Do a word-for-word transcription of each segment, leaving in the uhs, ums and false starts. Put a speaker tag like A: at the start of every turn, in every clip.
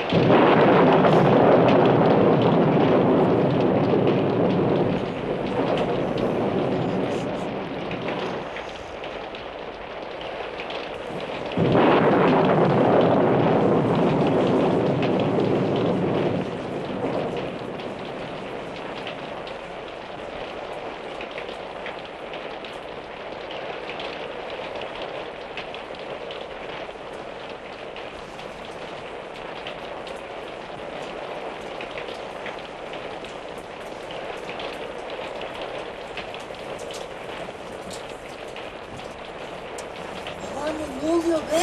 A: Ne oluyor be?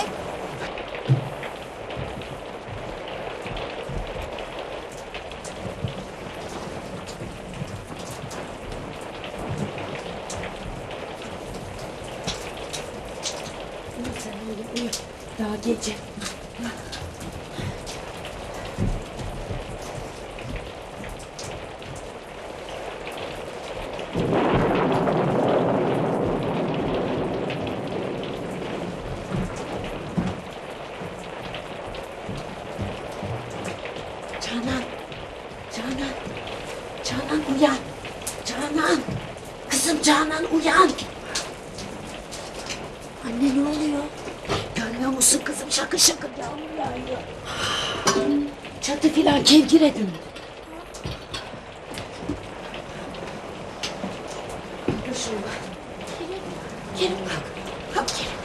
A: Uyu sen oğlum uyu. Daha gece. Canan, Canan, Canan uyan, Canan, kızım Canan uyan. Anne ne oluyor? Görmüyor musun kızım şakır şakır yağmur yağıyor. Çatı filan kevgire döndü. Dur şuraya. Kerim, Kerim kalk, kalk Kerim.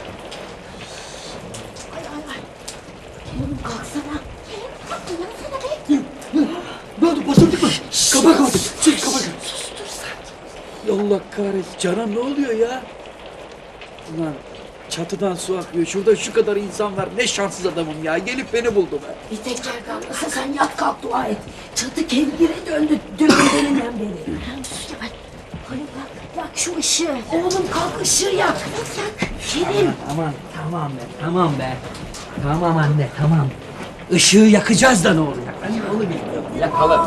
A: Ay ay ay. Kerim kalksana. Kerim kalk uyansana be.
B: Ne oldu? Basıldık mı? Kapat kapat. Çık kapat.
A: Sustur sakin.
B: Allah kahretsin. Canan ne oluyor ya? Ulan çatıdan su akıyor. Şurada şu kadar insan var. Ne şanssız adamım ya. Gelip beni buldu be.
A: Bir tek yer kalmasa sen yat kalk dua et. Çatı kevgire döndü döndüğünden beri. Ay, Halil bak, yak şu ışığı. Oğlum kalk ışığı yak. Yak, Kerim.
C: Aman tamam be tamam be. Tamam anne tamam. Işığı yakacağız da ne olacak? Ben de onu bilmiyorum. Yakalım.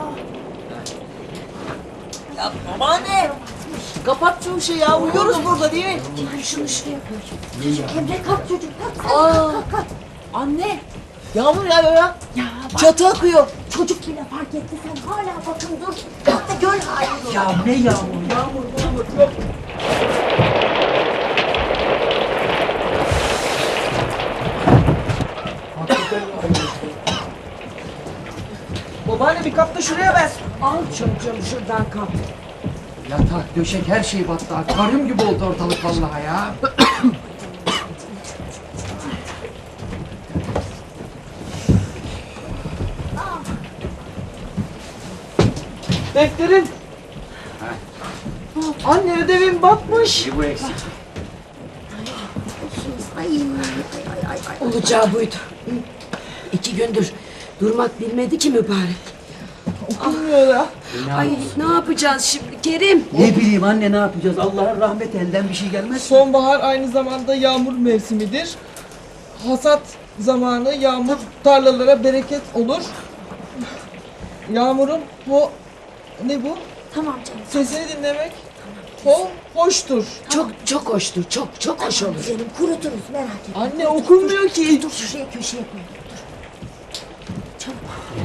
D: Ya babaanne! Kapat şu ışığı ya, uyuyoruz burada değil mi?
A: Kerim şunu şuraya koy. Çocuk Emre kalk çocuk kalk kalk
D: Aa.
A: kalk kalk.
D: Anne! Yağmur yağıyor ya.
A: Ya bak
D: Çatı akıyor.
A: çocuk bile fark etti sen hala bakın dur. Kalk da gör halini.
C: Ya ne yağmur yağmur yağmur yok.
D: Babaanne bir kap da şuraya ver.
A: Al çocuğum şuradan kap.
C: Yatak, döşek her şey battı. Akvaryum gibi oldu ortalık vallahi ya.
D: Defterin. Anne ödevim batmış.
C: Bu eksik.
A: Ay, ay, ay, ay, ay. Olacağı buydu. İki gündür durmak bilmedi ki mübarek.
D: Okunmuyor ya.
A: Ay ne yapacağız şimdi Kerim?
C: Ne bileyim anne ne yapacağız? Allah'ın rahmeti elden bir şey gelmez.
D: Sonbahar aynı zamanda yağmur mevsimidir. Hasat zamanı yağmur tarlalara bereket olur. Yağmurun ho... Ne bu?
A: Tamam canım.
D: Sesini dinlemek ho, hoştur.
A: Çok çok hoştur. Çok çok hoş olur. Canım kuruturuz merak etme.
D: Anne okunmuyor ki.
A: Dur şuraya köşeye koy. Dur. Çabuk.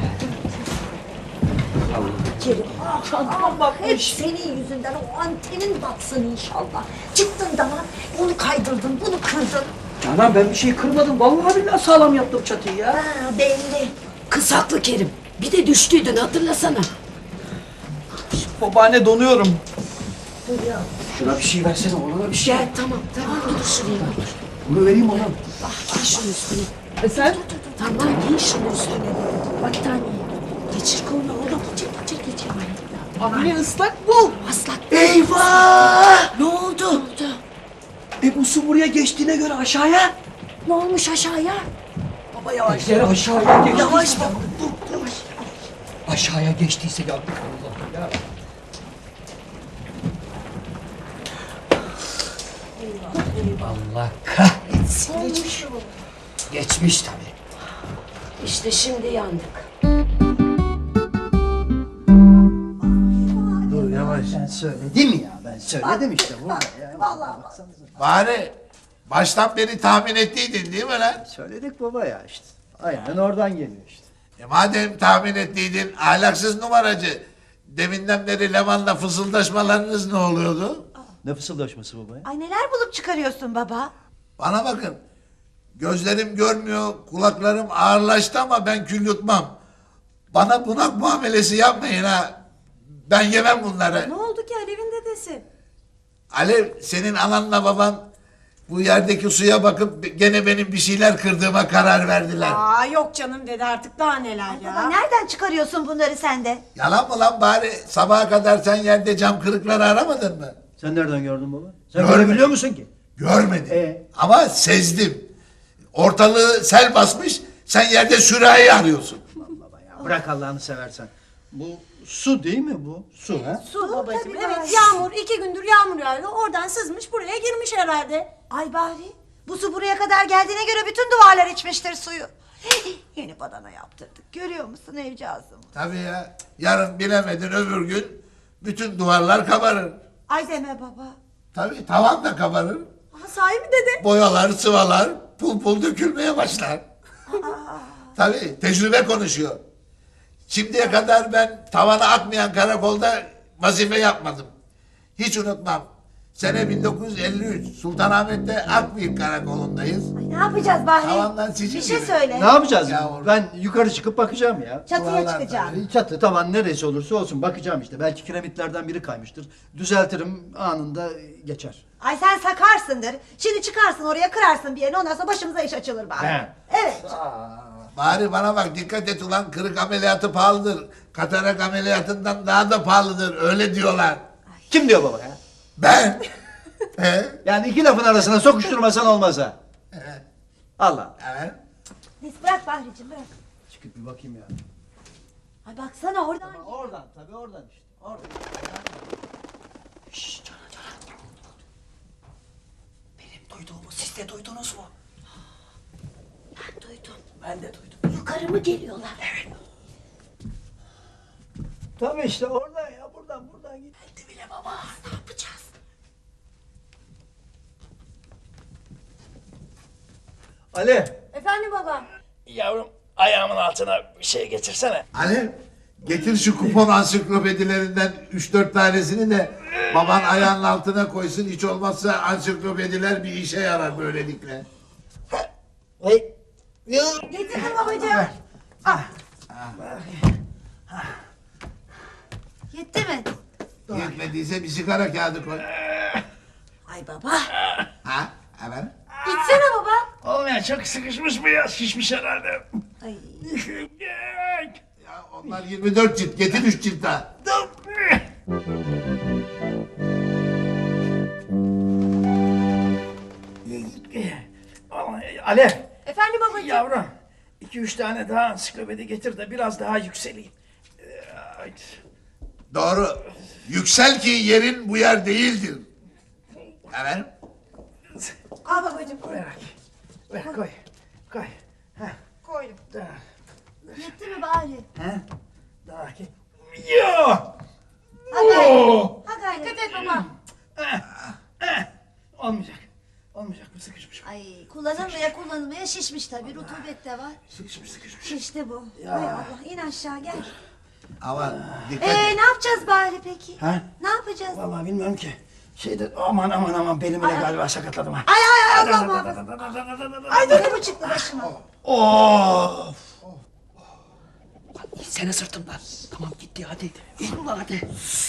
A: Kerim. Ah,
D: Çantam
A: hep
D: batmış.
A: senin yüzünden o antenin batsın inşallah. Çıktın da onu kaydırdın, bunu kırdın.
C: Canan ben bir şey kırmadım. Vallahi billahi sağlam yaptım çatıyı ya.
A: Ha, belli. Kız haklı Kerim. Bir de düştüydün hatırlasana.
D: Babaanne donuyorum.
A: Dur ya.
C: Şuna bir şey versene ona bir şey.
A: Gel tamam tamam dur şuraya dur.
C: Bunu vereyim ona.
A: Ah giy şunun üstüne.
D: E sen?
A: Tamam giy şunun üstüne. Battaniye. Geçir kolunu oğlum. Geçir geçir geçir.
D: Anne ıslak bu.
A: Aslan.
C: Eyvah!
A: Ne oldu? Ne oldu?
C: E bu su buraya geçtiğine göre aşağıya.
A: Ne olmuş aşağıya?
C: Baba yavaş. Yere aşağıya geçtiyse.
A: Yavaş bak.
C: Dur yavaş. Aşağıya geçtiyse yandık Allah ya. Allah kahretsin.
A: Olmuş.
C: Geçmiş tabii.
A: İşte şimdi yandık.
C: Dur yavaş. Ben söyledim ya. Ben söyledim işte burada ya.
A: Vallahi
E: Bari baştan beri tahmin ettiydin değil mi lan?
F: Söyledik baba ya işte. Aynen oradan geliyor işte.
E: E madem tahmin ettiydin ahlaksız numaracı. Deminden beri Leman'la fısıldaşmalarınız ne oluyordu?
F: Ne fısıldaşması baba ya?
G: Ay neler bulup çıkarıyorsun baba?
E: Bana bakın. Gözlerim görmüyor, kulaklarım ağırlaştı ama ben kül yutmam. Bana bunak muamelesi yapmayın ha. Ben yemem bunları.
G: Ne oldu ki Alev'in dedesi?
E: Alev, senin ananla baban bu yerdeki suya bakıp gene benim bir şeyler kırdığıma karar verdiler.
H: Aa yok canım dede artık daha neler ya.
G: Baba nereden çıkarıyorsun bunları sen de?
E: Yalan mı lan bari sabaha kadar sen yerde cam kırıkları aramadın mı?
F: Sen nereden gördün baba? Sen
E: Görmedim.
F: görebiliyor musun ki?
E: Görmedim.
F: Ee?
E: Ama sezdim. Ortalığı sel basmış, sen yerde sürahi arıyorsun.
F: Baba ya bırak Allah'ını seversen. Bu su değil mi bu? Su ha?
H: Su babacığım
G: tabii
H: evet
G: bari.
H: yağmur iki gündür yağmur yağıyor oradan sızmış buraya girmiş herhalde.
G: Ay bari bu su buraya kadar geldiğine göre bütün duvarlar içmiştir suyu. Yeni badana yaptırdık. Görüyor musun evcağızım?
E: Tabii ya. Yarın bilemedin öbür gün bütün duvarlar kabarır.
G: Ay deme baba.
E: Tabii tavan da kabarır.
H: Aa, sahi mi dede?
E: Boyalar, sıvalar pul pul dökülmeye başlar. Tabii tecrübe konuşuyor. Şimdiye kadar ben tavana akmayan karakolda vazife yapmadım. Hiç unutmam. Sene bin dokuz yüz elli üç Sultanahmet'te Akbıyık Karakolu'ndayız.
G: Ay ne yapacağız bari?
E: Tavandan sicil
G: Bir şey
E: gibi.
G: söyle.
F: Ne yapacağız?
E: Yavrum.
F: Ben yukarı çıkıp bakacağım ya.
G: Çatıya
E: Duvarlar
G: çıkacağım.
F: Çatı tavan neresi olursa olsun bakacağım işte. Belki kiremitlerden biri kaymıştır. Düzeltirim anında geçer.
G: Ay sen sakarsındır. Şimdi çıkarsın oraya kırarsın bir yerini ondan sonra başımıza iş açılır bari.
F: He.
G: Evet.
E: Bari bana bak dikkat et ulan kırık ameliyatı pahalıdır. Katarak ameliyatından daha da pahalıdır öyle diyorlar.
F: Kim diyor baba ya?
E: Ben? He?
F: Yani iki lafın arasına sokuşturmasan olmaz ha.
E: Evet.
F: Allah.
E: Evet.
G: Neyse bırak Bahriciğim bırak.
F: Çıkıp bir bakayım ya.
G: Ay baksana oradan.
F: Oradan tabii oradan işte. Oradan.
C: Benim duyduğumu siz de duydunuz mu?
A: Ben duydum.
C: Ben de duydum.
A: Yukarı mı geliyorlar?
C: Evet.
F: Tabii işte oradan ya buradan buradan git.
C: Geldi bile baba.
A: Ne yapacağız?
F: Ali.
H: Efendim baba.
C: Yavrum ayağımın altına bir şey getirsene.
E: Alev getir şu kupon ansiklopedilerinden üç dört tanesini de baban ayağının altına koysun. Hiç olmazsa ansiklopediler bir işe yarar böylelikle.
F: Hey.
G: Getirdim babacığım. Al. Yetti mi?
E: Yetmediyse bir sigara kağıdı koy.
G: Ay baba.
E: Ha? Evet.
G: İçsene baba.
C: Oğlum ya çok sıkışmış bu ya. Şişmiş herhalde.
G: Ay.
E: Ya onlar yirmi dört cilt. Getir üç cilt daha.
C: Ali.
H: Efendim babacığım.
C: Yavrum. iki üç tane daha ansiklopedi getir de biraz daha yükseleyim. Ay.
E: Doğru. Yüksel ki yerin bu yer değildir. Evet.
G: Al babacığım.
C: Ver, ver koy. Koy. Heh,
G: Koydum.
C: daha,
G: Yetti mi bari?
C: heh, daha ki. Yo!
G: Ha gayret.
C: Oo!
G: Ha gayret.
H: Dikkat et baba.
C: Olmayacak. Olmayacak bu sıkışmış.
G: Ay kullanılmaya kullanılmaya şişmiş tabii. Rutubet de var.
C: Sıkışmış sıkışmış.
G: Şişti bu. Hay Allah in aşağı gel.
E: Ama dikkat
G: Ee
E: et.
G: ne yapacağız bari peki?
C: Ha?
G: Ne yapacağız?
C: Vallahi bilmiyorum ki. Şeyde aman aman aman belimi de galiba sakatladım ha.
G: Ay ay ay Allah muhafaza. Ay dur bu çıktı başıma.
C: Of! İnsene sırtımdan. Tamam gitti hadi. İn ulan hadi.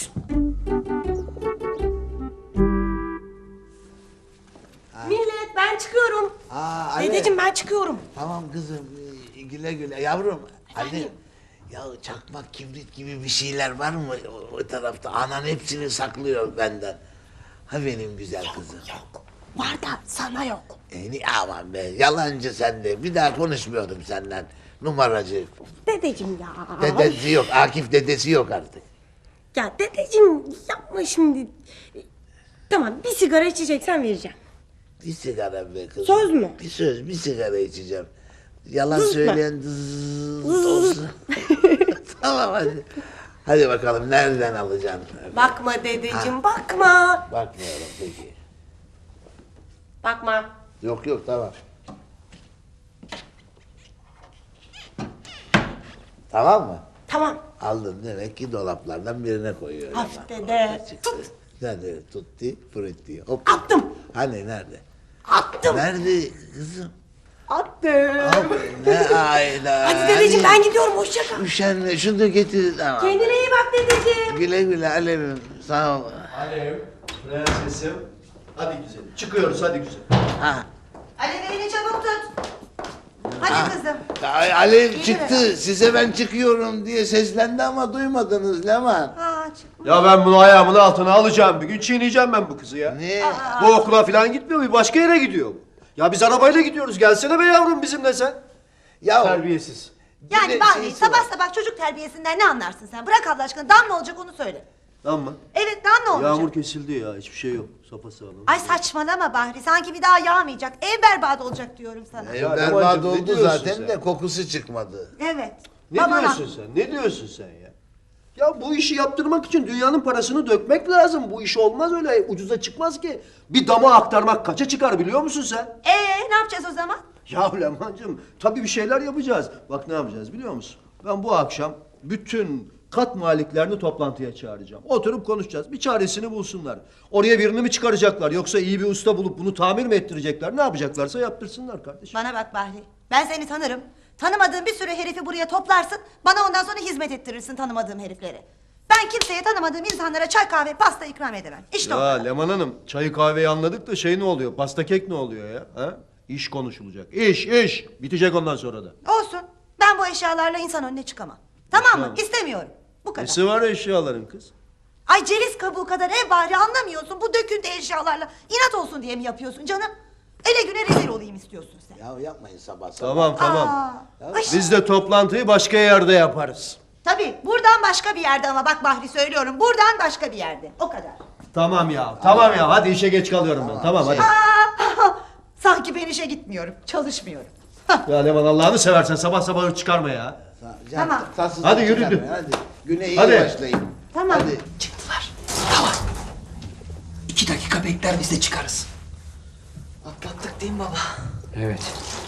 H: Millet ben çıkıyorum.
E: Aa, Ali.
H: Dedeciğim ben çıkıyorum.
E: Tamam kızım. ee, Güle güle. Yavrum. Ali. Ya çakmak kibrit gibi bir şeyler var mı o, o tarafta? Anan hepsini saklıyor benden. Ha benim güzel kızım.
A: Yok. Var da sana yok.
E: E, ni- aman be yalancı sen de. Bir daha konuşmuyorum senden. Numaracı.
H: Dedeciğim ya.
E: Dedesi yok. Akif dedesi yok artık.
H: Ya dedeciğim yapma şimdi. Tamam bir sigara içeceksen vereceğim.
E: Bir sigara be kızım.
H: Söz mü?
E: Bir söz, bir sigara içeceğim. Yalan
H: Zız mı?
E: söyleyen zzz olsun. Tamam hadi. Hadi bakalım nereden alacaksın?
H: Bakma dedeciğim bakma.
E: Bakmıyorum peki.
H: Bakma.
E: Yok yok tamam. Tamam mı?
H: Tamam.
E: Aldın demek ki dolaplardan birine koyuyor.
H: Hafif dede. Tut.
E: Nerede? Tutti, frutti. Hop.
H: Attım.
E: Hani nerede?
H: Attım.
E: Nerede kızım?
H: Attım.
E: Hop. Ne ayda.
H: Hadi dedeciğim ben gidiyorum. Hoşça kal.
E: Üşenme şunu da getir. Tamam.
H: Kendine iyi bak dedeciğim.
E: Güle güle Alev'im. Sağ ol.
F: Alev, prensesim. Hadi güzelim. Çıkıyoruz hadi güzelim.
E: Ha.
G: Ali beni çabuk tut. Hadi kızım.
E: Ay, Alev
G: Geliver.
E: çıktı. Size ben çıkıyorum diye seslendi ama duymadınız Leman.
G: Aa, çık.
I: Ya ben bunu ayağımın altına alacağım. Bir gün çiğneyeceğim ben bu kızı ya.
E: Ne?
I: Bu okula falan gitmiyor, bir başka yere gidiyor. Ya biz arabayla gidiyoruz. Gelsene be yavrum bizimle sen.
E: Ya
I: Terbiyesiz.
G: Yani
E: Bir de
G: Bahri
E: şeysi
G: sabah
E: var.
G: sabah çocuk terbiyesinden ne anlarsın sen? Bırak Allah aşkına dam ne olacak onu söyle.
I: Tamam mı?
G: Evet dam ne olacak?
I: Yağmur kesildi ya. Hiçbir şey yok. Sapasağlam.
G: Ay saçmalama Bahri sanki bir daha yağmayacak. Ev berbat olacak diyorum sana.
E: Ev
I: Ya
E: berbat
I: Leman'cığım, ne
E: oldu
I: diyorsun
E: zaten
I: sen?
E: de kokusu çıkmadı.
G: Evet.
I: Ne
G: Baban
I: diyorsun
G: haklı.
I: sen? Ne diyorsun sen ya? Ya bu işi yaptırmak için dünyanın parasını dökmek lazım. Bu iş olmaz öyle. Ucuza çıkmaz ki. Bir dama aktarmak kaça çıkar biliyor musun sen?
G: Ee ne yapacağız o zaman?
I: Ya Leman'cığım tabii bir şeyler yapacağız. Bak ne yapacağız biliyor musun? Ben bu akşam bütün kat maliklerini toplantıya çağıracağım. Oturup konuşacağız. Bir çaresini bulsunlar. Oraya birini mi çıkaracaklar yoksa iyi bir usta bulup bunu tamir mi ettirecekler? Ne yapacaklarsa yaptırsınlar kardeşim.
G: Bana bak Bahri. Ben seni tanırım. Tanımadığın bir sürü herifi buraya toplarsın. Bana ondan sonra hizmet ettirirsin tanımadığım herifleri. Ben kimseye tanımadığım insanlara çay kahve pasta ikram edemem. İşte o
I: Ya
G: kadar.
I: Leman Hanım çayı kahveyi anladık da şey ne oluyor? Pasta kek ne oluyor ya? Ha? İş konuşulacak. İş iş. Bitecek ondan sonra da.
G: Olsun. Ben bu eşyalarla insan önüne çıkamam. Tamam mı?
I: Tamam.
G: İstemiyorum. Bu kadar.
I: Nesi var eşyaların kız?
G: Ay ceviz kabuğu kadar ev bari anlamıyorsun. Bu döküntü eşyalarla inat olsun diye mi yapıyorsun canım? Ele güne rezil olayım istiyorsun sen.
E: Ya yapmayın sabah sabah.
I: Tamam tamam.
G: Aa, ay,
I: Biz de toplantıyı başka yerde yaparız.
G: Tabii buradan başka bir yerde ama bak Bahri söylüyorum. Buradan başka bir yerde. O kadar.
I: Tamam ya. Tamam ya. Hadi işe geç kalıyorum ben. Tamam hadi.
G: Aa, sanki ben işe gitmiyorum. Çalışmıyorum. Hah,
I: Ya Leman Allah'ını seversen sabah sabah hırs çıkarma ya.
E: Can,
G: Tamam.
E: tatsızlık
I: Hadi yürü.
E: çıkarmayın, Hadi. Güne iyi
I: Hadi.
E: başlayın.
G: Tamam.
E: Hadi.
C: Çıktılar. Tamam. İki dakika bekler biz de çıkarız.
B: Atlattık değil mi baba?
C: Evet.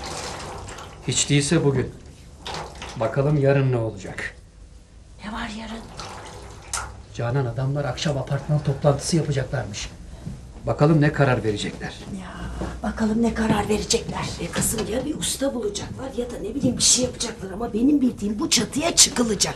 C: Hiç değilse bugün. Bakalım yarın ne olacak?
A: Ne var yarın?
C: Canan adamlar akşam apartman toplantısı yapacaklarmış. Bakalım ne karar verecekler.
A: Ya bakalım ne karar verecekler. E kızım ya bir usta bulacaklar ya da ne bileyim bir şey yapacaklar ama benim bildiğim bu çatıya çıkılacak.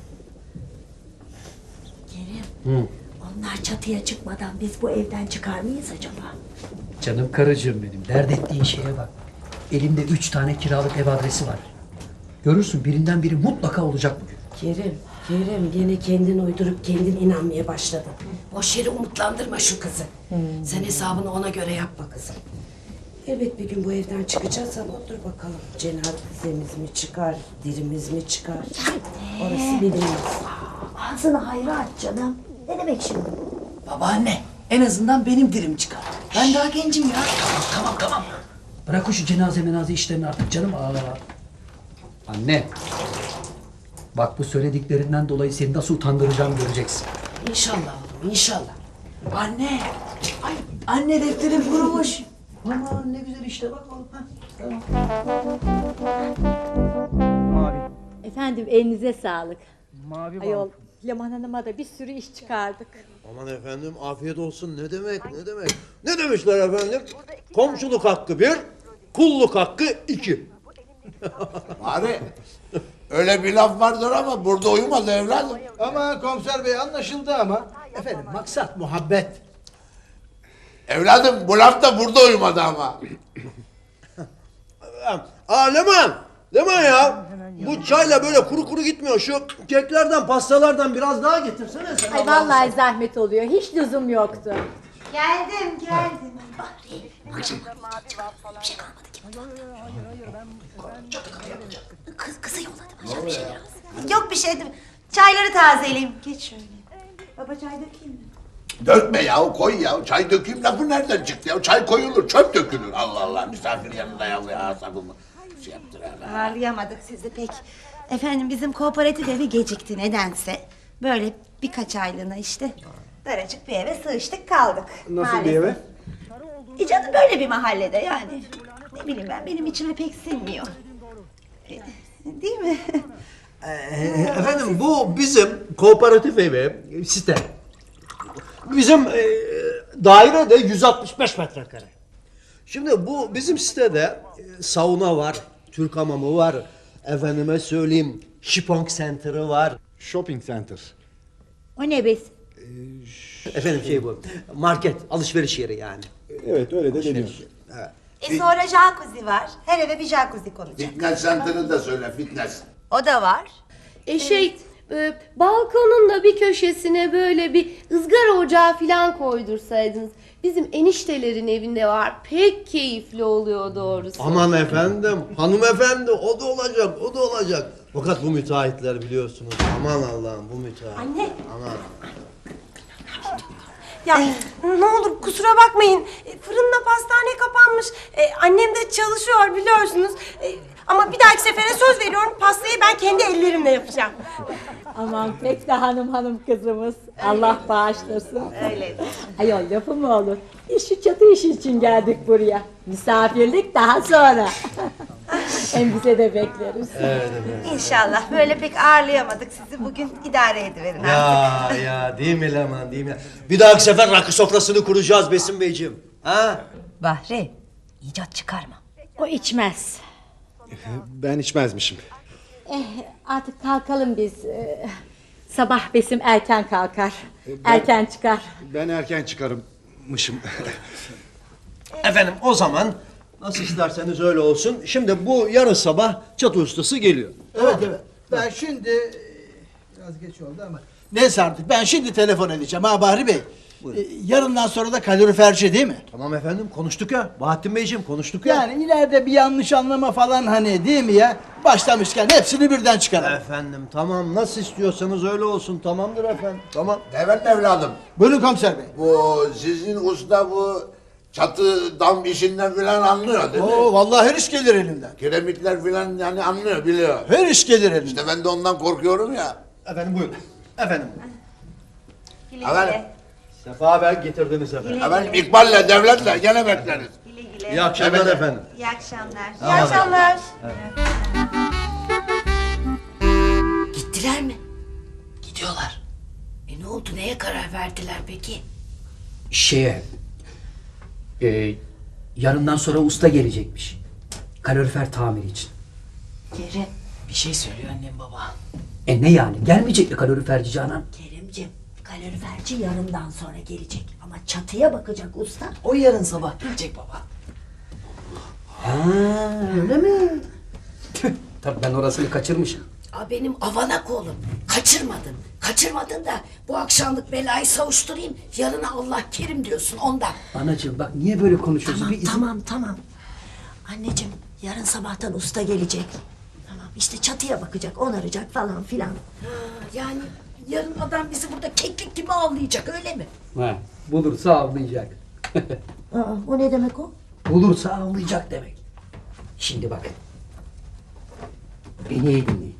A: Kerim.
C: Hı.
A: Onlar çatıya çıkmadan biz bu evden çıkar mıyız acaba?
C: Canım karıcığım benim. Dert ettiğin şeye bak. Elimde üç tane kiralık ev adresi var. Görürsün birinden biri mutlaka olacak bugün.
A: Kerim, Kerim gene kendin uydurup kendin inanmaya başladın. Boş yere umutlandırma şu kızı. Sen hesabını ona göre yapma kızım. Evet bir gün bu evden çıkacağız ama dur bakalım. Cenazemiz mi çıkar, dirimiz mi çıkar? Orası bilinmez. Ağzını hayra aç canım. Ne demek şimdi?
B: Babaanne en azından benim dirim çıkar. Ben daha gencim ya.
C: Tamam tamam. Bırak o şu cenaze menaze işlerini artık canım. Aa. Anne. Bak bu söylediklerinden dolayı seni nasıl utandıracağım göreceksin.
A: İnşallah oğlum inşallah.
B: Anne. Ay anne defterim kurumuş. Aman ne güzel işte bak oğlum. Ha, tamam.
J: Efendim elinize sağlık.
B: Mavi
J: Ayol Leman Hanım'a da bir sürü iş çıkardık.
I: Aman efendim afiyet olsun. Ne demek ne demek? Ne demişler efendim? Komşuluk hakkı bir, kulluk hakkı iki.
E: Bari öyle bir laf vardır ama burada uyumaz evladım.
F: Ama komiser bey anlaşıldı ama. Efendim maksat muhabbet.
E: Evladım bu laf da burada uyumadı ama.
I: Aa Leman! Leman ya! Bu çayla böyle kuru kuru gitmiyor. Şu keklerden, pastalardan biraz daha getirsene sen.
J: Ay vallahi zahmet oluyor. Hiç lüzum yoktu.
G: Geldim geldim.
A: Kız, kızı yolladı başka bir şey lazım.
G: Yok bir şey değil mi? Çayları tazeleyeyim. Geç şöyle. Baba çay dökeyim mi?
E: Dökme ya koy ya. Çay dökeyim lafı nereden çıktı ya? Çay koyulur çöp dökülür. Allah Allah misafir yanında ya asabımı şey yaptır ya.
G: Ağırlayamadık sizi pek. Efendim bizim kooperatif evi gecikti nedense. Böyle birkaç aylığına işte. Daracık bir eve sığıştık kaldık.
F: Nasıl bir eve?
G: E canım böyle bir mahallede yani. Ne bileyim ben benim içime pek sinmiyor. E, Değil mi?
I: Ee, efendim bu bizim kooperatif evi site. Bizim e, daire de yüz altmış beş metrekare. Şimdi bu bizim sitede e, sauna var, Türk hamamı var, efendime söyleyeyim Şipong Center'ı var.
K: Shopping center.
J: O ne bes?
I: Efendim şey bu, market, alışveriş yeri yani.
K: Evet öyle de deniyor.
I: Evet.
G: E sonra jacuzzi var. Her eve bir jacuzzi konacak.
E: Fitness center'ı da söyle fitness.
G: O da var.
H: E şey, e, balkonun da bir köşesine böyle bir ızgara ocağı falan koydursaydınız. Bizim eniştelerin evinde var. Pek keyifli oluyor doğrusu.
I: Aman efendim, hanımefendi o da olacak, o da olacak. Fakat bu müteahhitler biliyorsunuz. Aman Allah'ım bu müteahhit.
H: Anne.
I: Aman.
H: Ya ne olur kusura bakmayın. E, Fırınla pastane kapanmış. E, annem de çalışıyor biliyorsunuz. E, ama bir dahaki sefere söz veriyorum pastayı ben kendi ellerimle yapacağım.
J: Aman pek de hanım hanım kızımız. Allah bağışlasın.
G: Öyle.
J: Ayol lafı mı olur? Biz şu çatı işi için geldik buraya. Misafirlik daha sonra. Hem bize de bekleriz.
G: İnşallah böyle pek ağırlayamadık sizi. Bugün idare ediverin artık.
I: Ya ya değil mi Leman değil mi? Bir dahaki sefer rakı sofrasını kuracağız Besim Beyciğim. Ha?
G: Bahri, icat çıkarma.
J: O içmez.
K: Ben içmezmişim.
J: Eh, artık kalkalım biz. Ee, sabah Besim erken kalkar. Erken çıkar.
K: Ben erken çıkarımmışım.
I: Efendim o zaman nasıl isterseniz öyle olsun. Şimdi bu yarın sabah çatı ustası geliyor.
F: Evet evet. Ben şimdi biraz geç oldu ama neyse artık ben şimdi telefon edeceğim ha Bahri Bey. Ee, yarından sonra da kaloriferci değil mi?
I: Tamam efendim konuştuk ya. Bahattin Beyciğim konuştuk ya.
F: Yani ileride bir yanlış anlama falan hani değil mi ya? Başlamışken hepsini birden çıkaralım.
I: Efendim tamam nasıl istiyorsanız öyle olsun tamamdır efendim. Tamam.
E: Evet evladım.
F: Buyurun komiser bey.
E: Bu sizin usta bu çatı dam işinden filan anlıyor değil mi?
F: Oo vallahi her iş gelir elinden.
E: Kiremitler filan yani anlıyor biliyor.
F: Her iş gelir elinden.
E: İşte ben de ondan korkuyorum ya.
I: Efendim buyurun. Efendim.
G: Güle
E: Efendim?
G: güle.
I: Sefa Bey getirdiniz efendim.
E: Efendim İkbal'le devletle gene bekleriz.
G: Güle güle.
I: İyi akşamlar
E: Evet.
I: efendim.
G: İyi akşamlar.
F: İyi akşamlar.
A: Gittiler mi? Gidiyorlar. E ne oldu? Neye karar verdiler peki?
C: Şeye... E, yarından sonra usta gelecekmiş. Kalorifer tamiri için.
A: Kerem. Bir şey söylüyor annem baba.
C: E ne yani? Gelmeyecek mi kaloriferci Canan?
A: Keremciğim, kaloriferci yarından sonra gelecek. Ama çatıya bakacak usta.
B: O yarın sabah gelecek baba.
C: Ha, öyle mi? Tüh, tabii ben orasını kaçırmışım.
A: Aa, benim avanak oğlum. Kaçırmadın. Kaçırmadın da bu akşamlık belayı savuşturayım. Yarına Allah kerim diyorsun ondan.
C: Anacığım bak niye böyle konuşuyorsun?
A: Tamam
C: Bir izin-
A: tamam tamam. Anneciğim yarın sabahtan usta gelecek. Tamam işte çatıya bakacak, onaracak falan filan. Ha, yani yarın adam bizi burada keklik gibi avlayacak öyle mi?
C: Ha, bulursa avlayacak.
A: Aa, o ne demek o?
C: Bulursa avlayacak demek. Şimdi bakın. Beni iyi dinleyin.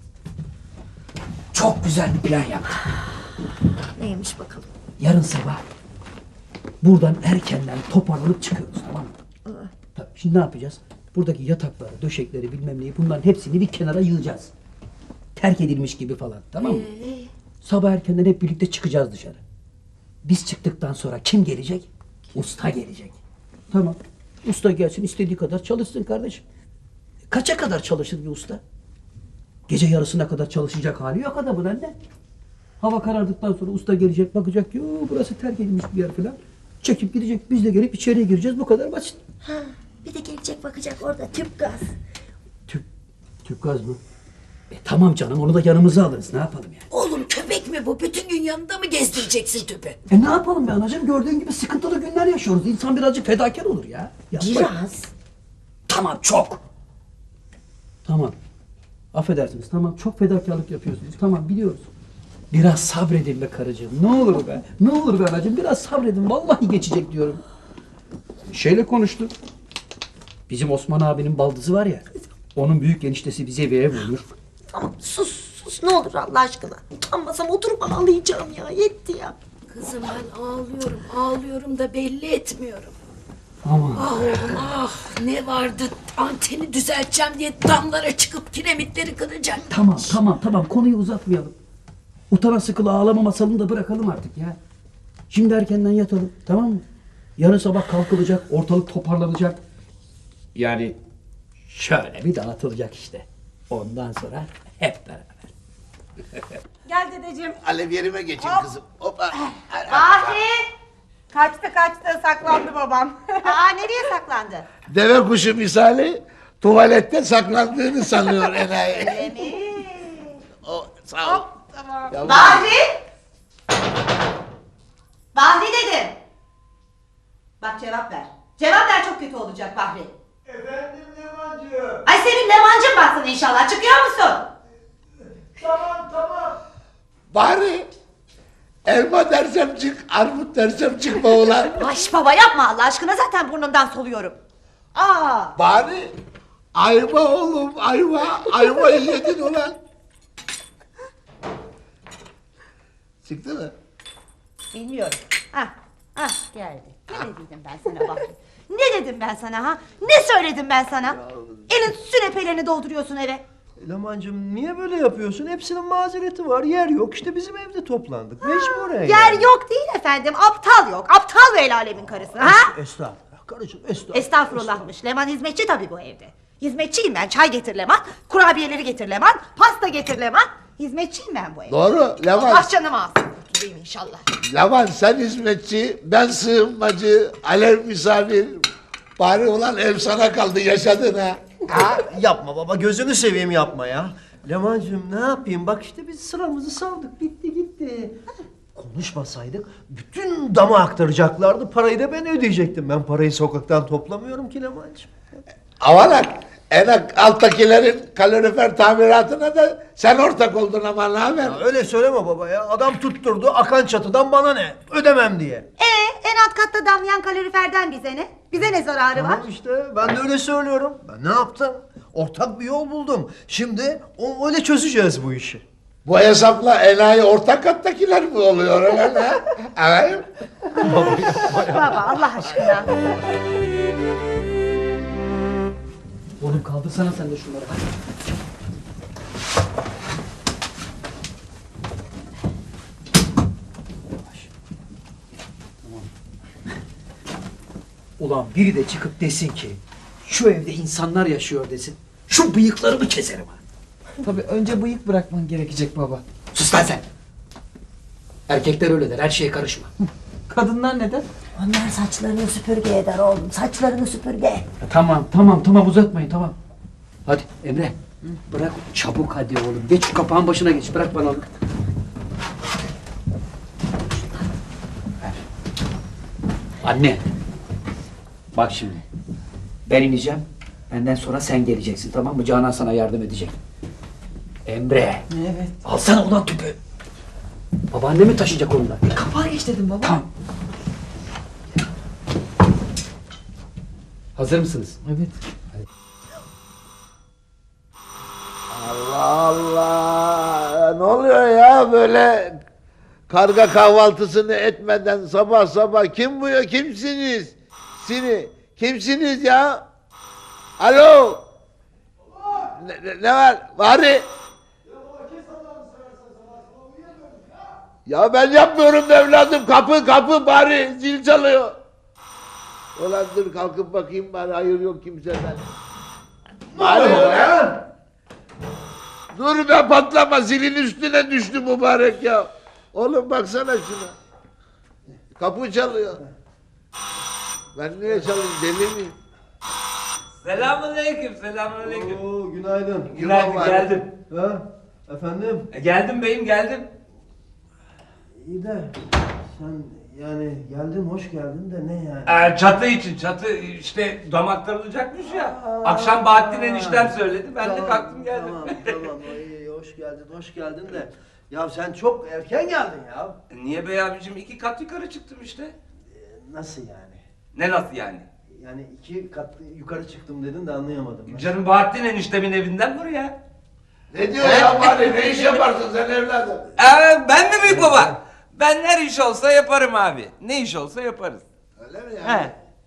C: Çok güzel bir plan yaptım.
A: Neymiş bakalım?
C: Yarın sabah buradan erkenden toparlanıp çıkıyoruz tamam mı? Tabii, şimdi ne yapacağız? Buradaki yatakları, döşekleri bilmem neyi bunların hepsini bir kenara yığacağız. Terk edilmiş gibi falan tamam mı? Sabah erkenden hep birlikte çıkacağız dışarı. Biz çıktıktan sonra kim gelecek? Usta gelecek. Tamam. Usta gelsin istediği kadar çalışsın kardeşim. Kaça kadar çalışır bir usta? Gece yarısına kadar çalışacak hali yok adamın anne. Hava karardıktan sonra usta gelecek bakacak ki "Oo, burası terk edilmiş bir yer falan. Çekip gidecek biz de gelip içeriye gireceğiz bu kadar basit.
A: Ha, bir de gelecek bakacak orada tüp gaz.
C: Tüp, tüp gaz mı? E, tamam canım onu da yanımıza alırız ne yapalım yani.
A: Oğlum köpek mi bu? Bütün gün yanında mı gezdireceksin tüpü?
C: E ne yapalım be anacığım gördüğün gibi sıkıntılı günler yaşıyoruz. İnsan birazcık fedakar olur ya. Yapma.
A: Biraz.
C: Tamam çok. Tamam. Affedersiniz tamam çok fedakarlık yapıyorsunuz. Tamam biliyoruz. Biraz sabredin be karıcığım. Ne olur be. Ne olur be anacığım biraz sabredin. Vallahi geçecek diyorum. Şeyle konuştuk. Bizim Osman abinin baldızı var ya. Onun büyük eniştesi bize bir ev bulur.
H: Tamam sus sus ne olur Allah aşkına. Utanmasam oturup ağlayacağım ya yetti ya.
A: Kızım ben ağlıyorum, ağlıyorum da belli etmiyorum.
C: Aman.
A: Ah oğlum ah. Ne vardı? Anteni düzelteceğim diye damlara çıkıp kiremitleri kıracak.
C: Tamam tamam tamam konuyu uzatmayalım. Utana sıkıla ağlama masalını da bırakalım artık ya. Şimdi erkenden yatalım, tamam mı? Yarın sabah kalkılacak, ortalık toparlanacak. Yani şöyle bir dağıtılacak işte. Ondan sonra hep beraber.
G: Gel dedeciğim.
E: Alev yerime geçin kızım. Hoppa.
G: Bahri! Kaçtı kaçtı saklandı babam. Aa nereye saklandı?
E: Deve kuşu misali tuvalette saklandığını sanıyor enayi.
G: Öyle mi?
E: O, sağ ol.
G: Tamam.
E: Yavrum.
G: Bahri! Bahri dedim. Bak cevap ver. Cevap ver çok kötü olacak Bahri.
I: Efendim Levancığım.
G: Ay senin Levancın baksın inşallah. Çıkıyor musun?
I: Tamam tamam.
E: Bari elma dersem çık, armut dersem çıkma ulan.
G: Ay baba yapma Allah aşkına zaten burnumdan soluyorum. Aa!
E: Bari ayva oğlum ayva, ayvayı yedin ulan. Çıktı mı?
G: Bilmiyorum. Ah, ah geldi. Ne dedim ben sana Bahri? Ne dedim ben sana ha? Ne söyledim ben sana? Elin sünepelerini dolduruyorsun eve.
I: Levancığım niye böyle yapıyorsun? Hepsinin mazereti var. Yer yok. İşte bizim evde toplandık. Mecburen
G: Yer
I: yani.
G: yok değil efendim. Aptal yok. Aptal ve el alemin karısı ha?
C: Estağfurullah karıcığım estağfurullah.
G: Estağfurullahmış. Leman hizmetçi tabii bu evde. Hizmetçiyim ben. Çay getir Leman. Kurabiyeleri getir Leman. Pasta getir Leman. Hizmetçiyim ben bu evde.
E: Doğru Levan.
G: Allah canımı alsın. Kurtulayım inşallah.
E: Levan sen hizmetçi, ben sığınmacı, alev misafir. Bari ulan ev sana kaldı yaşadın ha.
I: Ha, yapma baba gözünü seveyim yapma ya. Levancığım ne yapayım bak işte biz sıramızı saldık bitti gitti. Konuşmasaydık bütün dama aktaracaklardı parayı da ben ödeyecektim. Ben parayı sokaktan toplamıyorum ki Levancığım.
E: Avanak, en alttakilerin kalorifer tamiratına da sen ortak oldun ama ne haber?
I: Ya öyle söyleme baba ya adam tutturdu akan çatıdan bana ne ödemem diye.
G: Ee, en alt katta damlayan kaloriferden bize ne? Bize ne zararı var?
I: Tamam işte ben de öyle söylüyorum. Ben ne yaptım? Ortak bir yol buldum. Şimdi o, öyle çözeceğiz bu işi.
E: Bu hesapla enayi ortak kattakiler mi oluyor öyle ha? Evet.
G: Baba Allah aşkına.
C: Oğlum kaldırsana sen de şunları. Ulan biri de çıkıp desin ki şu evde insanlar yaşıyor desin. Şu bıyıklarımı keserim ha.
D: Tabii önce bıyık bırakman gerekecek baba.
C: Sus lan sen. Erkekler öyle der her şeye karışma.
D: Kadınlar neden?
G: Onlar saçlarını süpürge eder oğlum. Saçlarını süpürge.
C: Ya tamam tamam tamam uzatmayın tamam. Hadi Emre bırak çabuk hadi oğlum. Geç şu kapağın başına geç bırak bana onu. Ver. Anne. Bak şimdi. Ben ineceğim. Benden sonra sen geleceksin tamam mı? Canan sana yardım edecek. Emre.
D: Evet.
C: Alsana ulan tüpü. Babaanne mi taşıyacak onu da?
D: E, kapağı geç dedim baba.
C: Tamam. Hazır mısınız?
D: Evet.
E: Allah Allah. Ne oluyor ya böyle karga kahvaltısını etmeden sabah sabah kim bu ya kimsiniz? Sini kimsiniz ya? Alo. Ne, ne, ne var? Bari. Ya ben yapmıyorum be evladım. Kapı kapı bari zil çalıyor. Ulan dur kalkıp bakayım bari hayır yok kimseden. Bari ya. Dur be patlama zilin üstüne düştü mübarek ya. Oğlum baksana şuna. Kapı çalıyor. Ben niye çalayım deli miyim?
L: Selamünaleyküm, selamünaleyküm.
I: Oo, günaydın.
L: Günaydın,
E: var.
L: geldim.
I: Ha? Efendim?
L: E, geldim beyim, geldim.
I: İyi de sen yani geldin hoş geldin de ne yani?
L: E, çatı için, çatı işte damaklanacakmış ya. Akşam Bahattin eniştem söyledi, ben de kalktım geldim.
I: Tamam tamam iyi hoş geldin hoş geldin de. Ya sen çok erken geldin ya.
L: E, Niye bey abicim, iki kat yukarı çıktım işte.
I: Ee, Nasıl yani?
L: Ne nasıl yani?
I: Yani iki kat yukarı çıktım dedin de anlayamadım. ben.
L: Canım Bahattin eniştemin evinden buraya.
E: Ne diyor ya bari ne iş yaparsın sen evladım?
L: E, ben mi büyük baba? Ben her iş olsa yaparım abi. Ne iş olsa yaparız.
E: Öyle mi yani?
L: He.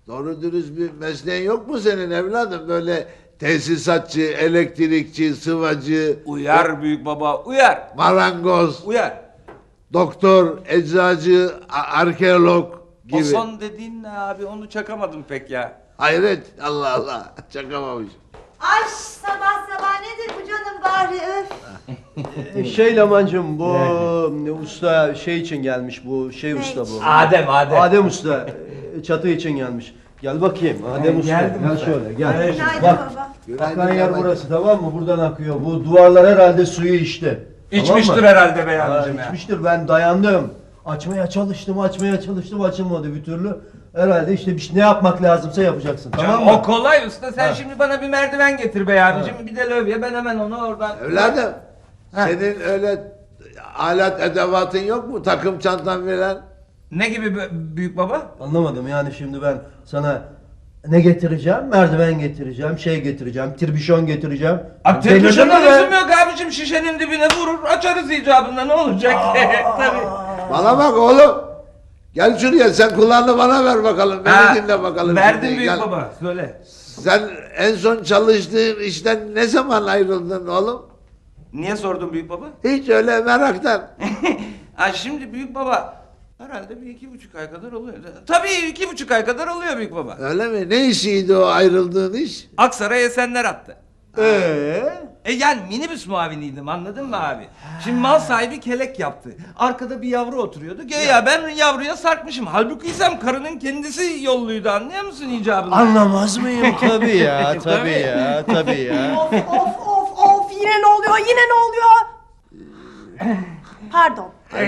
E: Doğru dürüst bir mesleğin yok mu senin evladım? Böyle tesisatçı, elektrikçi, sıvacı,
L: Uyar büyük baba, uyar.
E: marangoz,
L: Uyar.
E: doktor, eczacı, a- arkeolog gibi.
L: O son dediğin ne abi, onu çakamadım pek ya.
E: Hayret, Allah Allah, çakamamış.
G: Ay sabah sabah nedir bu canım bari öf.
I: E, Şey Lamancım bu ne usta şey için gelmiş bu şey usta bu.
L: Adem, Adem.
I: Adem usta e, çatı için gelmiş. Gel bakayım Adem usta.
L: geldim
I: Gel
L: usta.
I: şöyle gel.
G: Günaydın
I: Bak
G: baba.
I: akan yer burası tamam mı? Buradan akıyor. Bu duvarlar herhalde suyu içti.
L: İçmiştir
I: Tamam mı?
L: herhalde bey
I: Ha,
L: abicim ya.
I: içmiştir ben dayandım. Açmaya çalıştım açmaya çalıştım açılmadı bir türlü. Herhalde işte bir şey- ne yapmak lazımsa yapacaksın tamam
L: Canım,
I: mı?
L: o kolay usta. Sen
I: Ha.
L: şimdi bana bir merdiven getir bey abicim. Bir de lövye, ben hemen onu oradan...
E: Evladım, senin öyle alet edevatın yok mu? Takım çantan falan?
L: Ne gibi bö- büyük baba?
I: Anlamadım yani şimdi ben sana ne getireceğim? Merdiven getireceğim, şey getireceğim, tirbişon getireceğim.
L: A,
I: Delirdin
L: Televizyon
I: mi be?
L: lüzum yok abicim, şişenin dibine vurur, açarız icabında, ne olacak? Tabii.
E: Bana bak oğlum. Gel şuraya, sen kulağını bana ver bakalım. Beni
L: Ha,
E: dinle bakalım.
L: Verdim
E: şimdi,
L: büyük
E: gel.
L: baba, söyle.
E: Sen en son çalıştığın işten ne zaman ayrıldın oğlum?
L: Niye sordun büyük baba?
E: Hiç öyle meraktan.
L: Ha şimdi büyük baba, herhalde bir iki buçuk ay kadar oluyor. Tabii iki buçuk ay kadar oluyor büyük baba.
E: Öyle mi? Ne işiydi o ayrıldığın iş?
L: Aksaray Esenler attı.
I: Ee?
L: E yani minibüs muaviniydim, anladın mı abi? Şimdi mal sahibi kelek yaptı. Arkada bir yavru oturuyordu. Göya ben yavruya sarkmışım. Halbuki isem karının kendisi yolluydu, anlıyor musun icabını?
I: Anlamaz mıyım? Tabii ya, tabii ya, tabii ya.
G: Of of of of yine ne oluyor yine ne oluyor? Pardon.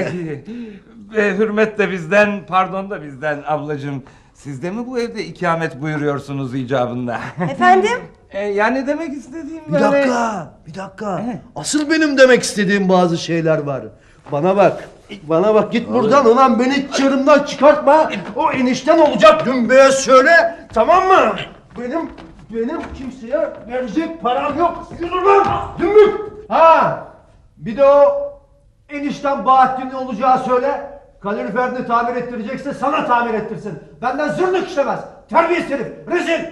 L: e, hürmet de bizden, pardon da bizden ablacığım. Siz de mi bu evde ikamet buyuruyorsunuz icabında?
G: Efendim?
L: E, yani demek istediğim
I: Bir
L: böyle...
I: dakika, bir dakika. Asıl benim demek istediğim bazı şeyler var. Bana bak, bana bak git buradan ulan beni çığırımdan çıkartma. O enişten olacak dümbeye söyle, tamam mı? Benim, benim kimseye verecek param yok. Yürü lan, dümbük. Ha, bir de o enişten Bahattin'in olacağı söyle. Kaloriferini tamir ettirecekse sana tamir ettirsin. Benden zırnık işlemez. Terbiyesiz herif, rezil.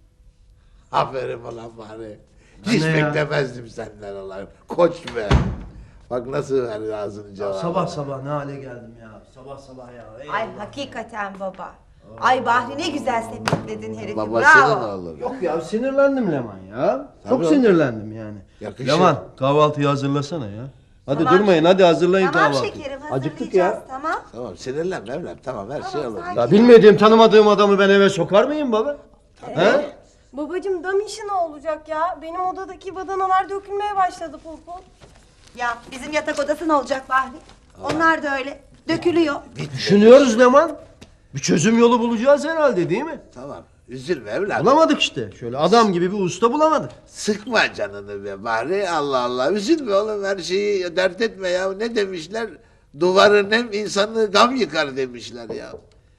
E: Aferin ulan bari. Hiç
I: Ne ya?
E: beklemezdim senden ulan. Koç be. Bak nasıl verdi ağzını cevabı.
I: Sabah sabah ne hale geldim ya. Sabah sabah ya. Eyvallah.
G: Ay hakikaten baba. Ay Bahri ne güzel sepetledin herifi
E: Babasının
G: bravo.
E: oğlu.
I: Yok ya sinirlendim Leman ya.
E: Tabii
I: Çok
E: oğlum.
I: sinirlendim yani.
E: Yakışır.
I: Leman kahvaltıyı hazırlasana ya. Hadi
G: Tamam.
I: durmayın hadi hazırlayın
G: Tamam
I: kahvaltıyı.
G: şekerim
I: Acıktık ya.
G: hazırlayacağız tamam.
E: Tamam sinirlenme evlat. Tamam her şey olur.
G: sakin.
I: Ya bilmediğim tanımadığım adamı ben eve sokar mıyım baba? He?
M: Babacım dam işi ne olacak ya? Benim odadaki badanalar dökülmeye başladı pul pul.
G: Ya bizim yatak odası ne olacak Bahri? Onlar da öyle dökülüyor.
I: Düşünüyoruz Leman. Bir çözüm yolu bulacağız herhalde değil mi?
E: Tamam. Üzülme evlat.
I: Bulamadık işte. Şöyle adam gibi bir usta bulamadık.
E: Sıkma canını be bari. Allah Allah. Üzülme oğlum her şeyi dert etme ya. Ne demişler? Duvarın hem insanı gam yıkar demişler ya.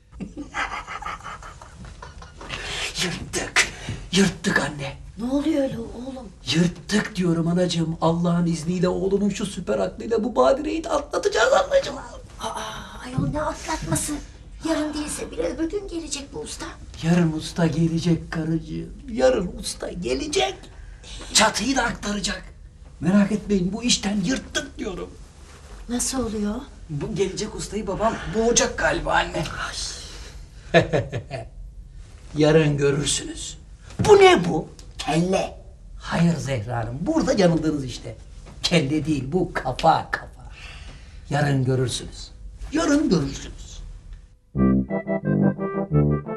C: Yırttık. Yırttık anne.
A: Ne oluyor öyle oğlum?
C: Yırttık diyorum anacığım. Allah'ın izniyle oğlumun şu süper aklıyla bu badireyi de atlatacağız anacığım.
N: Aa, ayol ne atlatması? Yarın değilse bile öbür gün gelecek bu usta.
C: Yarın usta gelecek karıcığım. Yarın usta gelecek. Çatıyı da aktaracak. Merak etmeyin bu işten yırttık diyorum.
N: Nasıl oluyor?
C: Bu gelecek ustayı babam boğacak galiba anne. Yarın görürsünüz. Bu ne bu? Kelle. Hayır Zehra Hanım, burada yanıldınız işte. Kelle değil, bu kafa kafa. Yarın görürsünüz. Yarın görürsünüz.